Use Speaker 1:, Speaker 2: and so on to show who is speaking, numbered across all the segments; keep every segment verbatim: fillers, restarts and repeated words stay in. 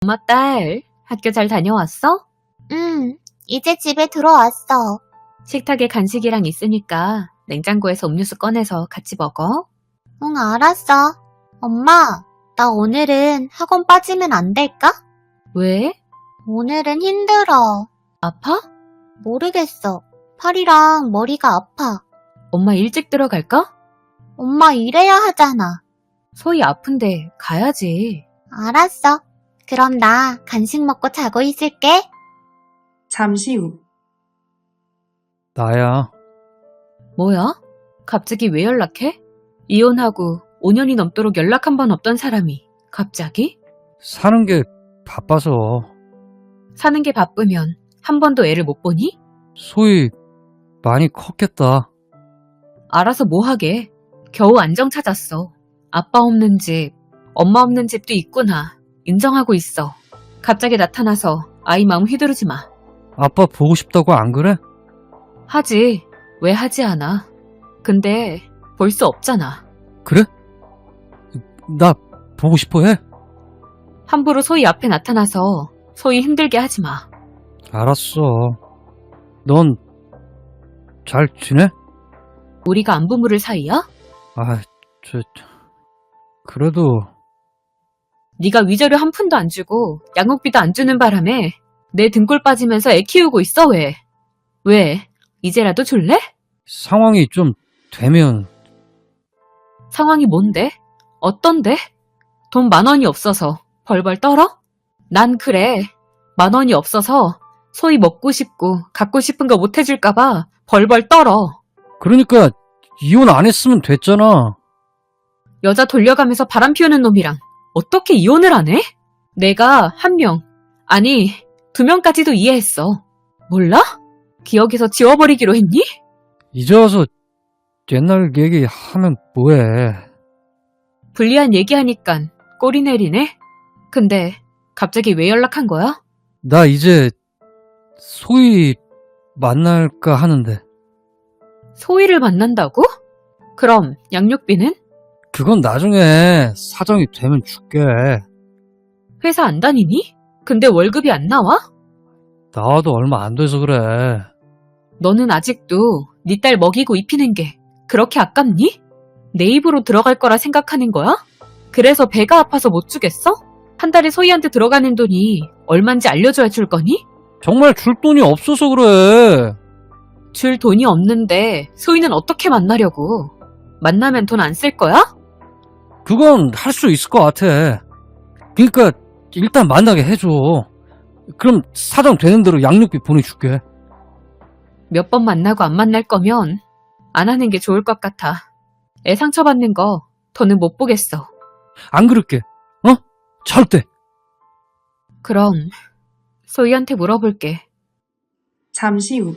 Speaker 1: 엄마 딸, 학교 잘 다녀왔어?
Speaker 2: 응, 이제 집에 들어왔어.
Speaker 1: 식탁에 간식이랑 있으니까 냉장고에서 음료수 꺼내서 같이 먹어.
Speaker 2: 응, 알았어. 엄마, 나 오늘은 학원 빠지면 안 될까?
Speaker 1: 왜?
Speaker 2: 오늘은 힘들어.
Speaker 1: 아파?
Speaker 2: 모르겠어. 팔이랑 머리가 아파.
Speaker 1: 엄마 일찍 들어갈까?
Speaker 2: 엄마 일해야 하잖아.
Speaker 1: 소희 아픈데 가야지.
Speaker 2: 알았어. 그럼 나 간식 먹고 자고 있을게.
Speaker 3: 잠시 후.
Speaker 4: 나야.
Speaker 1: 뭐야? 갑자기 왜 연락해? 이혼하고 오 년이 넘도록 연락 한 번 없던 사람이 갑자기?
Speaker 4: 사는 게 바빠서.
Speaker 1: 사는 게 바쁘면 한 번도 애를 못 보니?
Speaker 4: 소희 많이 컸겠다.
Speaker 1: 알아서 뭐 하게. 겨우 안정 찾았어. 아빠 없는 집, 엄마 없는 집도 있구나. 인정하고 있어. 갑자기 나타나서 아이 마음 휘두르지 마.
Speaker 4: 아빠 보고 싶다고 안 그래?
Speaker 1: 하지. 왜 하지 않아. 근데 볼 수 없잖아.
Speaker 4: 그래? 나 보고 싶어 해?
Speaker 1: 함부로 소희 앞에 나타나서 소희 힘들게 하지 마.
Speaker 4: 알았어. 넌 잘 지내?
Speaker 1: 우리가 안부 물을 사이야?
Speaker 4: 아, 저, 그래도
Speaker 1: 네가 위자료 한 푼도 안 주고 양육비도 안 주는 바람에 내 등골 빠지면서 애 키우고 있어. 왜? 왜? 이제라도 줄래?
Speaker 4: 상황이 좀 되면.
Speaker 1: 상황이 뭔데? 어떤데? 돈 만 원이 없어서 벌벌 떨어? 난 그래. 만 원이 없어서 소위 먹고 싶고 갖고 싶은 거 못 해줄까봐 벌벌 떨어.
Speaker 4: 그러니까 이혼 안 했으면 됐잖아.
Speaker 1: 여자 돌려가면서 바람 피우는 놈이랑 어떻게 이혼을 안 해? 내가 한 명, 아니 두 명까지도 이해했어. 몰라? 기억에서 지워버리기로 했니?
Speaker 4: 이제 와서 옛날 얘기하면 뭐해.
Speaker 1: 불리한 얘기하니깐 꼬리 내리네? 근데 갑자기 왜 연락한 거야?
Speaker 4: 나 이제 소희 만날까 하는데.
Speaker 1: 소희를 만난다고? 그럼 양육비는?
Speaker 4: 그건 나중에 사정이 되면 줄게.
Speaker 1: 회사 안 다니니? 근데 월급이 안 나와?
Speaker 4: 나와도 얼마 안 돼서 그래.
Speaker 1: 너는 아직도 네 딸 먹이고 입히는 게 그렇게 아깝니? 내 입으로 들어갈 거라 생각하는 거야? 그래서 배가 아파서 못 주겠어? 한 달에 소희한테 들어가는 돈이 얼만지 알려줘야 줄 거니?
Speaker 4: 정말 줄 돈이 없어서 그래.
Speaker 1: 줄 돈이 없는데 소희는 어떻게 만나려고? 만나면 돈 안 쓸 거야?
Speaker 4: 그건 할 수 있을 것 같아. 그러니까 일단 만나게 해줘. 그럼 사정 되는 대로 양육비 보내줄게.
Speaker 1: 몇 번 만나고 안 만날 거면 안 하는 게 좋을 것 같아. 애 상처받는 거 더는 못 보겠어.
Speaker 4: 안 그럴게. 어? 절대.
Speaker 1: 그럼 소희한테 물어볼게.
Speaker 3: 잠시 후.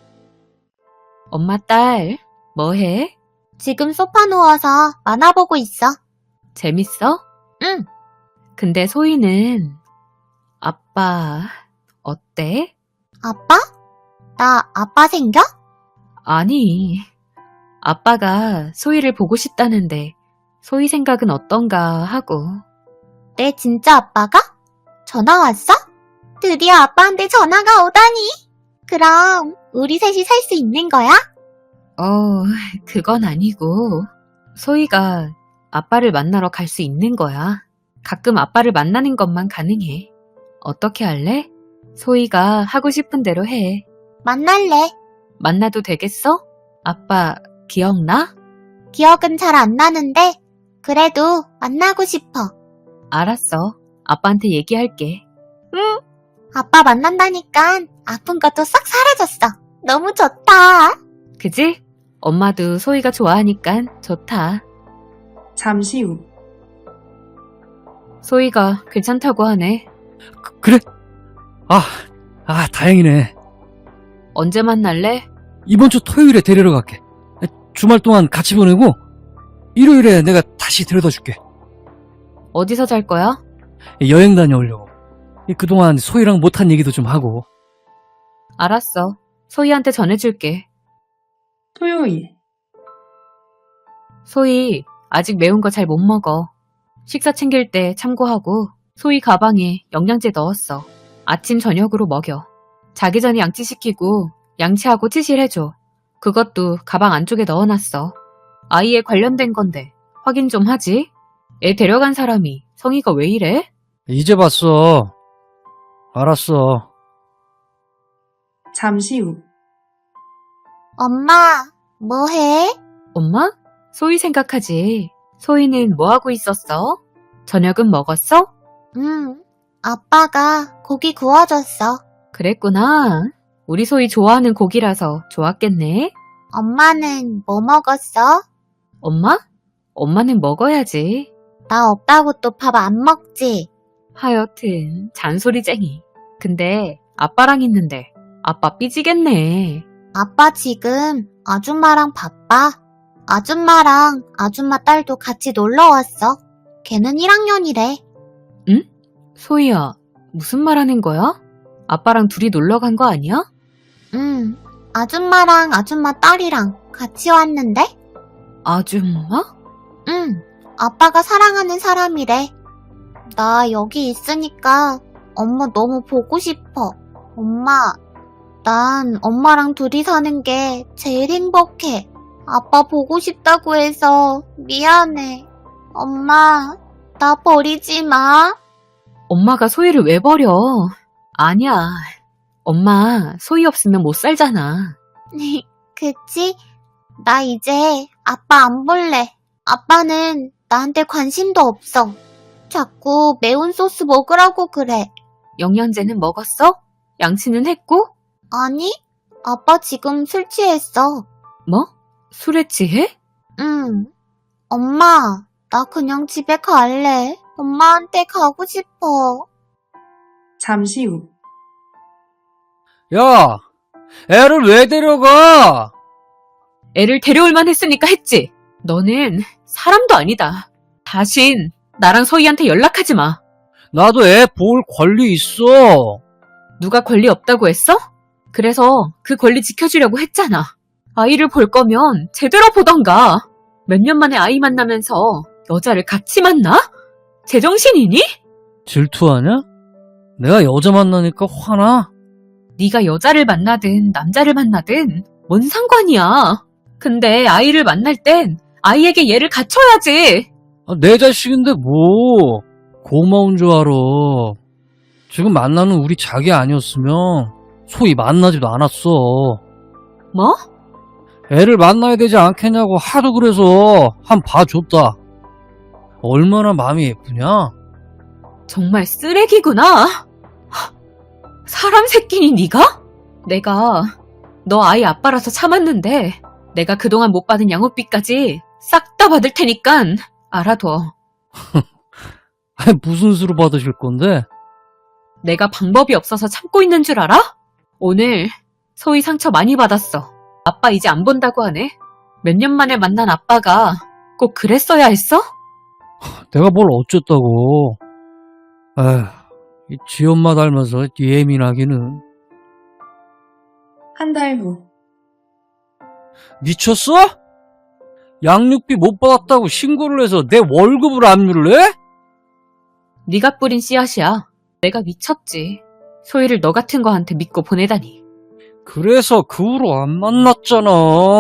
Speaker 1: 엄마 딸 뭐해?
Speaker 2: 지금 소파 누워서 만화 보고 있어.
Speaker 1: 재밌어?
Speaker 2: 응.
Speaker 1: 근데 소희는 아빠 어때?
Speaker 2: 아빠? 나 아빠 생겨?
Speaker 1: 아니 아빠가 소희를 보고 싶다는데 소희 생각은 어떤가 하고.
Speaker 2: 내 진짜 아빠가? 전화 왔어? 드디어 아빠한테 전화가 오다니. 그럼 우리 셋이 살 수 있는 거야?
Speaker 1: 어 그건 아니고 소희가 아빠를 만나러 갈 수 있는 거야. 가끔 아빠를 만나는 것만 가능해. 어떻게 할래? 소희가 하고 싶은 대로 해.
Speaker 2: 만날래.
Speaker 1: 만나도 되겠어? 아빠 기억나?
Speaker 2: 기억은 잘 안 나는데 그래도 만나고 싶어.
Speaker 1: 알았어. 아빠한테 얘기할게.
Speaker 2: 응. 아빠 만난다니까 아픈 것도 싹 사라졌어. 너무 좋다.
Speaker 1: 그지? 엄마도 소희가 좋아하니까 좋다.
Speaker 3: 잠시 후.
Speaker 1: 소희가 괜찮다고 하네.
Speaker 4: 그, 그래? 아, 아, 다행이네.
Speaker 1: 언제 만날래?
Speaker 4: 이번 주 토요일에 데리러 갈게. 주말 동안 같이 보내고 일요일에 내가 다시 데려다 줄게.
Speaker 1: 어디서 잘 거야?
Speaker 4: 여행 다녀오려고. 그동안 소희랑 못한 얘기도 좀 하고.
Speaker 1: 알았어. 소희한테 전해줄게.
Speaker 3: 토요일.
Speaker 1: 소희, 아직 매운 거 잘 못 먹어. 식사 챙길 때 참고하고 소희 가방에 영양제 넣었어. 아침 저녁으로 먹여. 자기 전에 양치시키고 양치하고 치실해줘. 그것도 가방 안쪽에 넣어놨어. 아이에 관련된 건데 확인 좀 하지. 애 데려간 사람이 성의가 왜 이래?
Speaker 4: 이제 봤어. 알았어.
Speaker 3: 잠시 후,
Speaker 2: 엄마, 뭐해?
Speaker 1: 엄마? 소희 생각하지. 소희는 뭐하고 있었어? 저녁은 먹었어?
Speaker 2: 응, 아빠가 고기 구워줬어.
Speaker 1: 그랬구나. 우리 소희 좋아하는 고기라서 좋았겠네.
Speaker 2: 엄마는 뭐 먹었어?
Speaker 1: 엄마? 엄마는 먹어야지.
Speaker 2: 나 없다고 또 밥 안 먹지?
Speaker 1: 하여튼 잔소리쟁이. 근데 아빠랑 있는데 아빠 삐지겠네.
Speaker 2: 아빠 지금 아줌마랑 바빠. 아줌마랑 아줌마 딸도 같이 놀러 왔어. 걔는 일 학년이래.
Speaker 1: 소희야, 무슨 말 하는 거야? 아빠랑 둘이 놀러 간 거 아니야?
Speaker 2: 응, 아줌마랑 아줌마 딸이랑 같이 왔는데?
Speaker 1: 아줌마?
Speaker 2: 응, 아빠가 사랑하는 사람이래. 나 여기 있으니까 엄마 너무 보고 싶어. 엄마, 난 엄마랑 둘이 사는 게 제일 행복해. 아빠 보고 싶다고 해서 미안해. 엄마, 나 버리지 마.
Speaker 1: 엄마가 소희를 왜 버려? 아니야. 엄마, 소희 없으면 못 살잖아.
Speaker 2: 그치? 나 이제 아빠 안 볼래. 아빠는 나한테 관심도 없어. 자꾸 매운 소스 먹으라고 그래.
Speaker 1: 영양제는 먹었어? 양치는 했고?
Speaker 2: 아니, 아빠 지금 술 취했어.
Speaker 1: 뭐? 술에 취해?
Speaker 2: 응. 엄마, 나 그냥 집에 갈래. 엄마한테 가고 싶어.
Speaker 3: 잠시 후,
Speaker 4: 야, 애를 왜 데려가?
Speaker 1: 애를 데려올만 했으니까 했지. 너는 사람도 아니다. 다신 나랑 소희한테 연락하지 마.
Speaker 4: 나도 애 볼 권리 있어.
Speaker 1: 누가 권리 없다고 했어? 그래서 그 권리 지켜주려고 했잖아. 아이를 볼 거면 제대로 보던가. 몇 년 만에 아이 만나면서 여자를 같이 만나? 제정신이니?
Speaker 4: 질투하냐? 내가 여자 만나니까 화나?
Speaker 1: 네가 여자를 만나든 남자를 만나든 뭔 상관이야. 근데 아이를 만날 땐 아이에게 얘를 갖춰야지.
Speaker 4: 아, 내 자식인데 뭐 고마운 줄 알아. 지금 만나는 우리 자기 아니었으면 소희 만나지도 않았어.
Speaker 1: 뭐?
Speaker 4: 애를 만나야 되지 않겠냐고 하도 그래서 한 봐줬다. 얼마나 마음이 예쁘냐?
Speaker 1: 정말 쓰레기구나. 하, 사람 새끼니 네가? 내가 너 아이 아빠라서 참았는데 내가 그동안 못 받은 양육비까지 싹 다 받을 테니깐 알아둬.
Speaker 4: 아니, 무슨 수로 받으실 건데?
Speaker 1: 내가 방법이 없어서 참고 있는 줄 알아? 오늘 소희 상처 많이 받았어. 아빠 이제 안 본다고 하네. 몇 년 만에 만난 아빠가 꼭 그랬어야 했어?
Speaker 4: 내가 뭘 어쨌다고. 에휴, 이 지엄마 닮아서 예민하기는.
Speaker 3: 한 달 후,
Speaker 4: 미쳤어? 양육비 못 받았다고 신고를 해서 내 월급을 압류를 해?
Speaker 1: 네가 뿌린 씨앗이야. 내가 미쳤지. 소희를 너 같은 거한테 믿고 보내다니.
Speaker 4: 그래서 그 후로 안 만났잖아.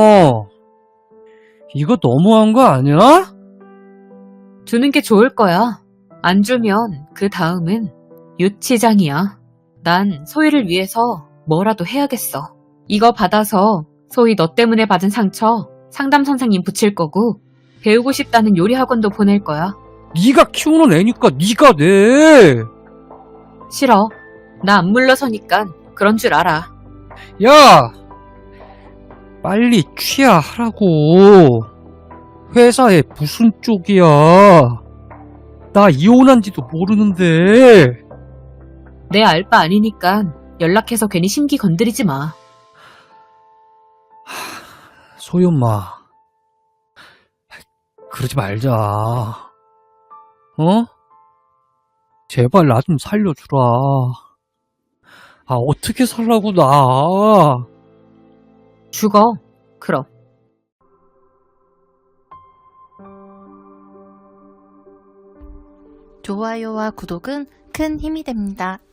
Speaker 4: 이거 너무한 거 아니야?
Speaker 1: 주는 게 좋을 거야. 안 주면 그 다음은 유치장이야. 난 소희를 위해서 뭐라도 해야겠어. 이거 받아서 소희 너 때문에 받은 상처 상담 선생님 붙일 거고 배우고 싶다는 요리 학원도 보낼 거야.
Speaker 4: 네가 키우는 애니까 네가 내.
Speaker 1: 싫어. 나 안 물러서니까 그런 줄 알아.
Speaker 4: 야, 빨리 취하하라고. 회사에 무슨 쪽이야. 나 이혼한지도 모르는데.
Speaker 1: 내 알바 아니니까 연락해서 괜히 심기 건드리지 마.
Speaker 4: 소희 엄마, 그러지 말자. 어? 제발 나 좀 살려주라. 아, 어떻게 살라고 나.
Speaker 1: 죽어. 그럼.
Speaker 5: 좋아요와 구독은 큰 힘이 됩니다.